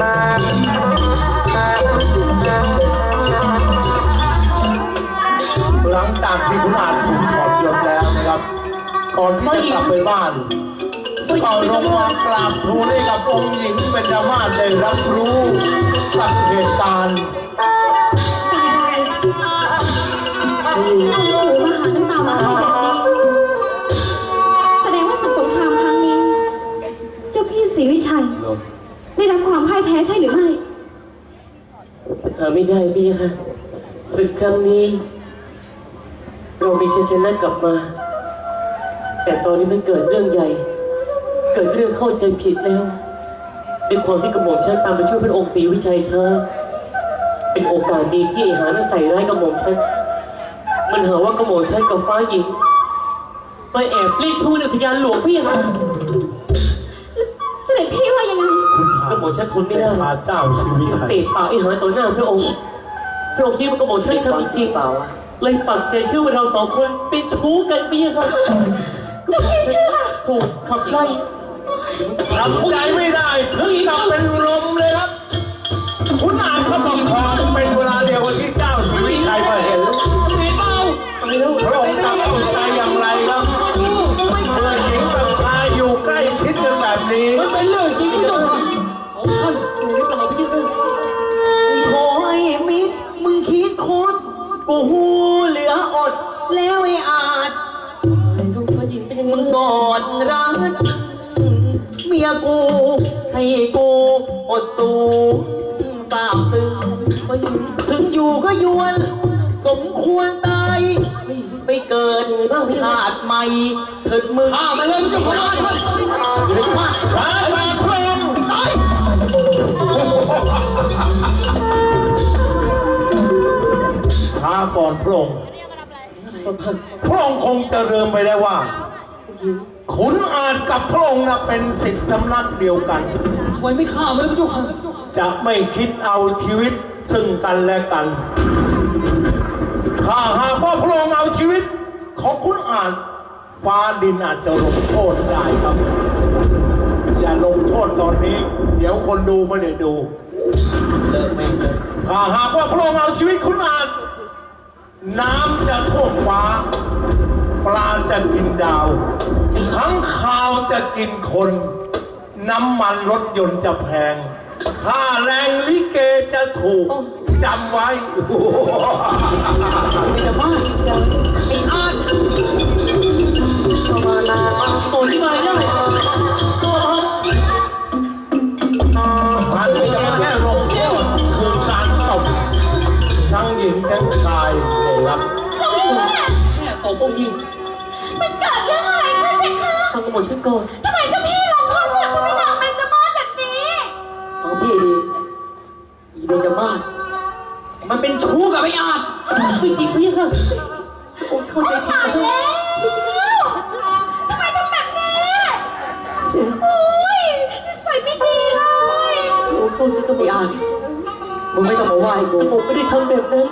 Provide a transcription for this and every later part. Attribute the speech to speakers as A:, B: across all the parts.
A: หลังจากที่คุณอาจถูกถอดยศแล้วนะครับก่อนที่จะกลับไปบ้านก็ลงมากราบทูลให้กับองค์หญิงเบญจมาศได้รับรู้กับเหตุการณ์
B: โอ้โหมาหาน้ำตามาให้แบบนี้แสดงว่าศึกสงครามครั้งนี้เจ้าพี่ศรีวิชัยได้รับความพ่ายแพ้ใช่หรือไม่
C: ไม่ได้พี่ค่ะศึกครั้งนี้เรามีชัยชนะกลับมาแต่ตอนนี้มันเกิดเรื่องใหญ่เกิดเรื่องเข้าใจผิดแล้วด้วยความที่กระหม่อมฉันตามไปช่วยพระองค์ศรีวิชัยช้าเป็นโอกาสดีที่ไอ้หานั้นใส่ร้ายกระหม่อมฉันมันหาว่ากระหม่อมฉันกับฟ้าหญิงไปแอบรีดชูในอุทยานหลวงพี่ค่ะ
B: เสด็จพี่ว่ายังไง
C: กระหม่อมฉันทนไม่ได้
A: พาเจ้าชีวิตไทย
C: เตะปากไอ้หาต่อหน้าพระองค์คิดว่ากระหม่อมฉันทำจริงเปล่าเลยปักใจเชื่อว่าเราสองคนเป็นชู้กันพี่ค่ะ
B: เจ้าพี่เชื่อ
C: ถูกขับไล่
A: ทำใจไม่ได้ถึงกับเป็นลมเลยครับคุณอาจเขาบอกขอเป็นเวลาเดียวกับที่เจ้าศรีวิชัยมาเห็นพระองค์จะเข้าใจอย่างไรครับเพื่อนหญิงกับชายอยู่ใกล้ชิดกันแบบนี้
C: มันเป็นเรื่องจริงที่ต้องโอ้ท่านไม่ได้กล่าวพี่ค่ะ
D: ขอให้มิตรมึงคิดโคตรกูหูเหลืออดแล้วไอ้อาจมึงกอดรักเมียกูให้กูอดสูสาบซึ้งถึงอยู่ก็ยวนสมควรตายไปเกิดชาติใหม่ถึงมึง
C: ข้ามาเลยมึงจะขอร้องท่าน
D: อยู่ในบ้าน
A: ช้าพระองค์
D: ตาย
A: ช้าก่อนพระองค์พระองค์คงจะลืมไปได้ว่าขุนอาจกับพระองค์นะเป็นศิษย์สำนักเดียวกัน
C: ทำไมไม่ฆ่ามันพระเจ้าค่ะ
A: จะไม่คิดเอาชีวิตซึ่งกันและกันถ้าหากว่าพระองค์เอาชีวิตของขุนอาจฟ้าดินอาจจะลงโทษได้ครับอย่าลงโทษตอนนี้เดี๋ยวคนดูไม่ได้ดู
D: เลิกแม่งเลย
A: ถ้าหากว่าพระองค์เอาชีวิตขุนอาจน้ำจะท่วมฟ้าปลาจะกินดาวข้างคาวจะกินคนน้ำมันรถยนต์จะแพงค่าแรงลิเกจะถูกจำไว้
D: ไม่จะบ้าไอ้อาร์ตมานา
C: ตัวที่มาเนี่ย
A: มันไม่ใช่แค่ลงโทษคือการตบทั้งหญิงทั้งชายเลยครับ
C: แค่ตบองค์หญิง
B: มันเกิดเรื่องอะไรขึ้นเพคะ
C: ฟังกระหม่อมฉันก่อน
B: ทำไมเจ้าพี่ลงโทษคนพระนางเบญจมาศแบบนี้
D: พี่อีเบญจมาศมันเป็นชู้กับไอ้อาจ
C: ไม่จริงพี่ค่ะผมเข้าใจผิด
B: แล้วทำไมทำแบบนี้โอ้ยนิสัยไม่ดีเลย
C: ผมเข้าใจกับไอ้อาจ
D: มึงไม่ต้องมาไหว้กู
C: ผมไม่ได้ทำแบบนั้น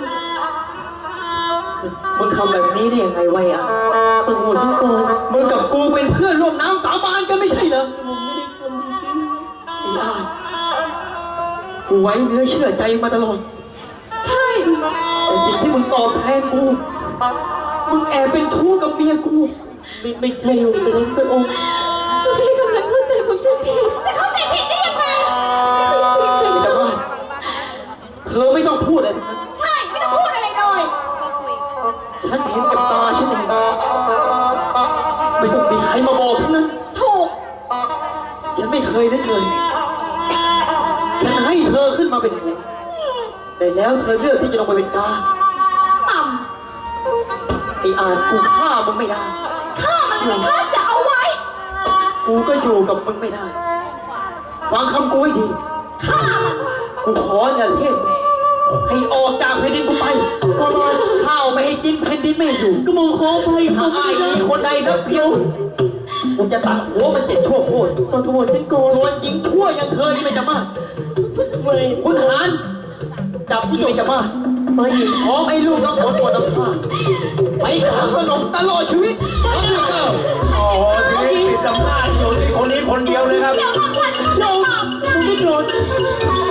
D: มึงทำแบบนี้ได้ยังไงวะอ่ะ
C: ฟังกระหม่อมฉันก่อน
D: มึงกับกูเป็นเพื่อนร่วมน้ำสาบานกันไม่ใช่เหรอ
C: ผมไม่ได้ทำจริง
D: ไอ้อาจกูไว้เนื้อเชื่อใจมาตลอด
B: ใช่
D: แต่สิ่งที่มึงตอบแทนกูมึงแอบเป็นชู้กับเมียกู
C: ไม่ใช่แต่นั้นพระองค์
B: เจ้าพี่กำลังเข้าใจผมฉันผิดแต่เข้าใจผิดได้ยังไงไม่จริงเลย
D: แต่ว่าเธอไม่ต้องพูดอะไร
B: ใช่ไม่ต้องพูดอะไรเลย
D: ฉันเห็นกับตาฉันเองไม่ต้องมีใครมาบอกทั้งนั้น
B: ถูก
D: ฉันไม่เคยนึกเลยฉันให้เธอขึ้นมาเป็นหัวแต่แล้วเธอเลือกที่จะลงไปเป็นกา
B: ต่
D: ำไอ้อาจกูฆ่ามึงไม่ได้
B: ฆ่ามันฆ่าจะเอาไว้
D: กูก็อยู่กับมึงไม่ได้ฟังคำกูให้ดี
B: ฆ่ามัน
D: กูขออย่าเทพให้ออกจากแผ่นดินกูไปก็รอข้าวไม่ให้กินแผ่นดินไม่อยู่
C: ก็มองขอไป
D: ถ้าไอ้คนใดก็เพียวกูจะตัดหัวมัน7 ชั่วโคตร
C: ฟังกระหม่อมฉันก่อน
D: ส่วนหญิงชั่วอย่างเธอนี่ไม่จะมาก
C: ไม่
D: คุณหารจับไม่จะมาก
C: ไม่
D: พร้อมไอ้ลูกน้ำฝนตัวน้ำผ้าไปขังสนมตลอดชีวิต
A: โอ้โหทีนี้ติดอำนาจอยู่ที่คนนี้คนเดียวเลยครับ
B: เดี๋ยวมาควัน
C: เราไม่โดน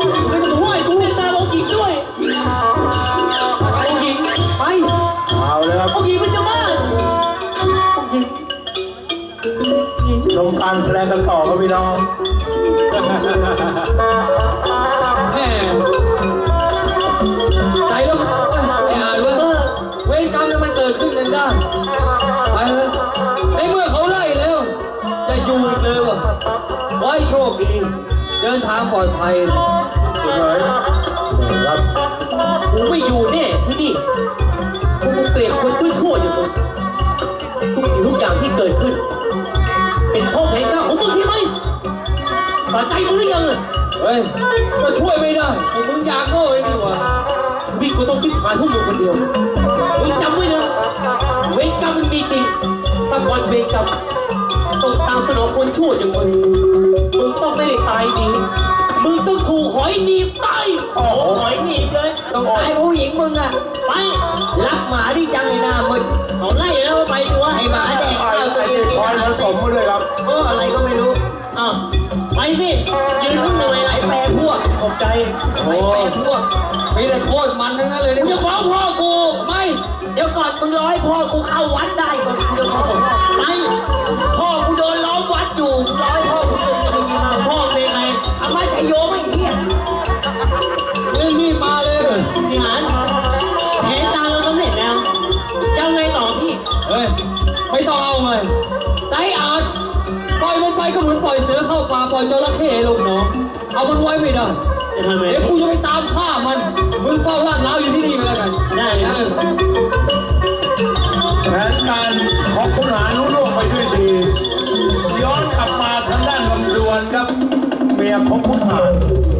A: งกันต่อครับพี่น้อง
E: แม่ใจแล้วไอ้อ่านว่าเวรกรรมเนี่ยมันเกิดขึ้นกันได้ไปเถอะในเมื่อเขาไล่แล้วจะอยู่อีกเลยวะไว้โชคดีเดินทางปลอดภัย
C: ครับกูไม่อยู่แน่ที่นี่กูเกลียดคนชั่วๆอยู่ตรงทุกสิ่งทุกอย่างที่เกิดขึ้น เป็นเพราะแผนการของมึงใช่ไหมสะใจมึงหรือยังอะ
E: เฮ้ยก็ช่วยไม่ได้พวกมึงอยากโง่เองดีกว่า
C: ชีวิตกูต้องคิดผ่านพวกมึงคนเดียวมึงจำไว้นะเวรกรรมมันมีจริงสักวันเวรกรรมต้องตามสนองคนชั่วอย่างมึงมึงต้องไม่ได้ตายดีมึงต้องถูกหอยหนีบตายโอ้หอยหนีบเลยต้องตายเพราะผู้หญิงมึงอะไปรักหมาดิจังไอ้หน้ามึงเขาไล่แล้วไปดูว่าไอ้หมาแดกข้าวตัวเองกิน
A: คอย
C: อาหาร
A: ผสมมาด้วยครับ
C: อะไรก็ไม่รู้อ้าวไปสิยืนมึงหน่อยไหนแปรพวกขอบใจไหนแปรพวก
E: มีแต่โคตรมันทั้งนั้นเลย
C: มึ
E: เนี่
C: ง
E: ย
C: จะฟ้องพ่อกู
E: ไม่
C: เดี๋ยวก่อนมึงร้อยพ่อกูเข้าวัดได้ก่อนกูจะฟ้องไปพ่อกูโดนล้อมวัดอยู่ร้อยพ่อกูตึงจะมายิงพ่อเป็นไงทำไมชัยโยไม่เฮี้ย
E: เรื่องนี้มาเลย
C: พี่หานแผนการเราสำเร็จแล้วจะเอาไงต่อพี่
E: เฮ้ยไม่ต้องเอาเลยใจอาจปล่อยมันไปก็เหมือนปล่อยเสือเข้าป่าปล่อยจระเข้ลงหนองเอามันไว้ไม่ได้
C: จะทำไง
E: เดี๋ยวกูจะไปตามฆ่ามันมึงเฝ้าลาดล้าวอยู่ที่นี่ก็แล้วกัน
C: ได้เลย
A: แผนการของคุณหารุ่ล่วงไปด้วยดี ย้อนกลับมาทางด้านลำดวนครับเมียของคุณหาร